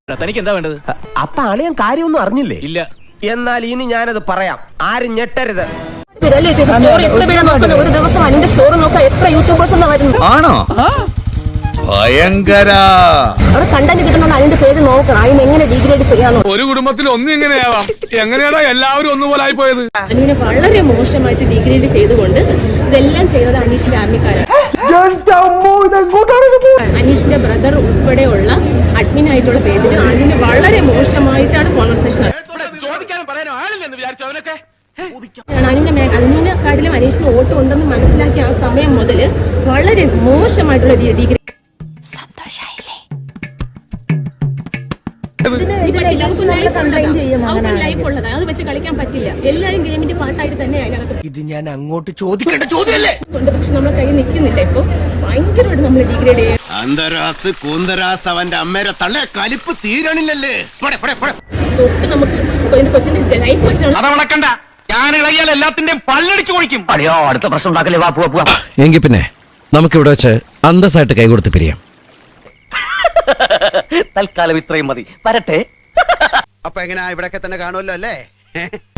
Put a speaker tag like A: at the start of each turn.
A: തനിക്ക് എന്താ വേണ്ടത്?
B: അപ്പൊ അളിയൻ കാര്യമൊന്നും അറിഞ്ഞില്ലേ?
A: ഇല്ല.
B: എന്നാൽ ഇനി ഞാനത് പറയാം, ആരും ഞെട്ടരുത്.
C: ഒരു ദിവസം അതിന്റെ സ്റ്റോറി നോക്കാൻ എത്ര യൂട്യൂബേഴ്സ് വരുന്നു
D: ആണോ? ഭയങ്കര
C: അവിടെ കണ്ടന്റ് കിട്ടണമെന്ന് അതിന്റെ പേര് നോക്കണം. അതിന് എങ്ങനെ ഡിഗ്രേഡ് ചെയ്യാനോ?
D: ഒരു കുടുംബത്തിൽ ഒന്നും ഇങ്ങനെയാവാം. എങ്ങനെയാണോ എല്ലാവരും ഒന്നുപോലെ ആയി പോയത്?
C: അതിനെ വളരെ മോശമായിട്ട് ഡിഗ്രേഡ് ചെയ്തുകൊണ്ട് ഇതെല്ലാം ചെയ്തത് അനീഷിന്റെ ആർമിക്കാരാണ്. അനീഷിന്റെ ബ്രദർ ഉൾപ്പെടെയുള്ള അഡ്മിൻ ആയിട്ടുള്ള പേജിന് അതിന് വളരെ മോശമായിട്ടാണ് കോൺവെർസേഷൻ. അതിനെക്കാട്ടിലും അനീഷിന് വോട്ട് ഉണ്ടെന്ന് മനസ്സിലാക്കിയ ആ സമയം മുതൽ വളരെ മോശമായിട്ടുള്ള ഡിഗ്രി. ലൈഫ് ഉള്ളതാണ്, അത് വെച്ച് കളിക്കാൻ പറ്റില്ല. എല്ലാരും ഗെയിമിന്റെ പാട്ടായിട്ട് തന്നെ അതിനകത്ത്.
E: ഇത് ഞാൻ അങ്ങോട്ട് ചോദിക്കേണ്ട ചോദ്യമല്ലേ?
C: പക്ഷെ നമ്മളെ കൈ നിൽക്കുന്നില്ല. ഇപ്പൊ ഭയങ്കരമായിട്ട് നമ്മൾ ഡിഗ്രേഡ് ചെയ്യാം.
D: അന്തരാസ് കൂന്തരാസ് അവന്റെ അമ്മേരെ തള്ളെ കലിപ്പ് തീരണില്ലല്ലേ?
C: തൊട്ട് നമുക്ക് കൊച്ചിന്റെ ലൈഫ് വെച്ചാണ്.
A: അതവളക്കണ്ട, ഞാൻ ഇളകിയാൽ എല്ലാത്തിന്റെയും പല്ലടിച്ചു കൊഴിക്കും.
B: അടിയോ, അടുത്ത പ്രശ്നം ഉണ്ടാക്കല്ലേ. വാ പോവാ.
E: എങ്കിൽ പിന്നെ നമുക്കിവിടെ വെച്ച് അന്തസ്സായിട്ട് കൈകൊടുത്ത് പിരിയാം.
B: തൽക്കാലം ഇത്രയും മതി. വരട്ടെ.
F: അപ്പൊ എങ്ങനെയാ, ഇവിടൊക്കെ തന്നെ കാണുമല്ലോ അല്ലേ?